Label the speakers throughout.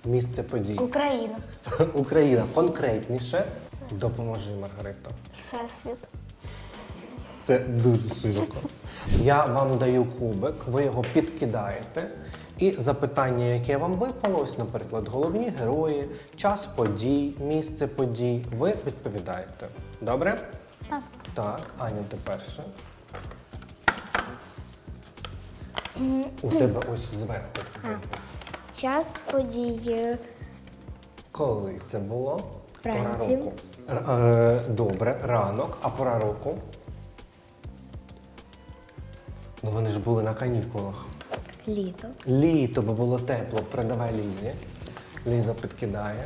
Speaker 1: Місце подій.
Speaker 2: Україна.
Speaker 1: Україна. Конкретніше. Допоможи, Маргарита.
Speaker 2: Всесвіт.
Speaker 1: Це дуже широко. Я вам даю кубик, ви його підкидаєте. І запитання, яке вам випало, ось, наприклад, головні герої, час подій, місце подій, ви відповідаєте. Добре?
Speaker 2: Так.
Speaker 1: Так, Аня, ти перша. У тебе ось зверху.
Speaker 2: Час подій.
Speaker 1: Коли це було? Пора
Speaker 2: Вранці.
Speaker 1: року. Добре, ранок, а пора року? Ну вони ж були на канікулах.
Speaker 2: Літо.
Speaker 1: Літо, бо було тепло. Передавай Лізі. Ліза підкидає.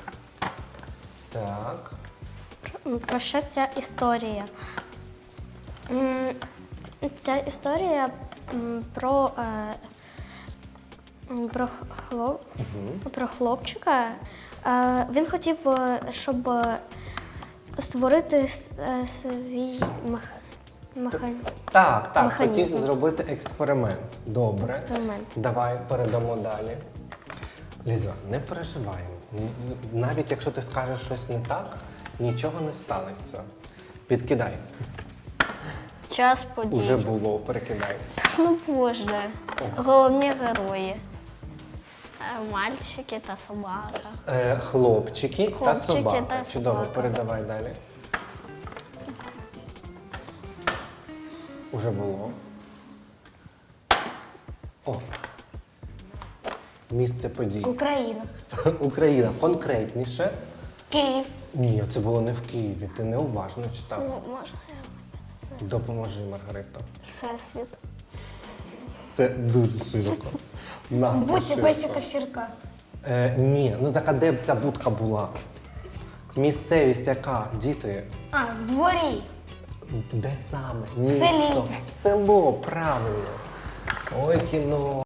Speaker 1: Так.
Speaker 3: Про що ця історія? Ця історія про хлопчика. Він хотів, щоб створити свій
Speaker 1: Так, хотів
Speaker 3: механізм.
Speaker 1: зробити експеримент. Добре.
Speaker 3: Експеримент.
Speaker 1: Давай передамо далі. Ліза, не переживай. Навіть якщо ти скажеш щось не так, нічого не станеться. Підкидай.
Speaker 3: Час подій.
Speaker 1: Уже було, перекидай.
Speaker 3: Ну боже. Головні герої. Мальчики та собака.
Speaker 1: Хлопчики та
Speaker 3: Хлопчики
Speaker 1: собака.
Speaker 3: та
Speaker 1: Чудово,
Speaker 3: собака.
Speaker 1: передавай далі. Уже було. О. Місце подій.
Speaker 2: Україна.
Speaker 1: Україна. Конкретніше.
Speaker 2: Київ.
Speaker 1: Ні, це було не в Києві. Ти неуважно читав.
Speaker 3: Можна?
Speaker 1: Допоможи, Маргарита.
Speaker 3: Всесвіт.
Speaker 1: Це дуже широко.
Speaker 2: Будьте Бесіка Сірка.
Speaker 1: Ні, ну так а де б ця будка була? Місцевість яка? Діти?
Speaker 2: А, в дворі.
Speaker 1: Де саме?
Speaker 2: селі.
Speaker 1: Місто. Село, правильно. Ой, кіно.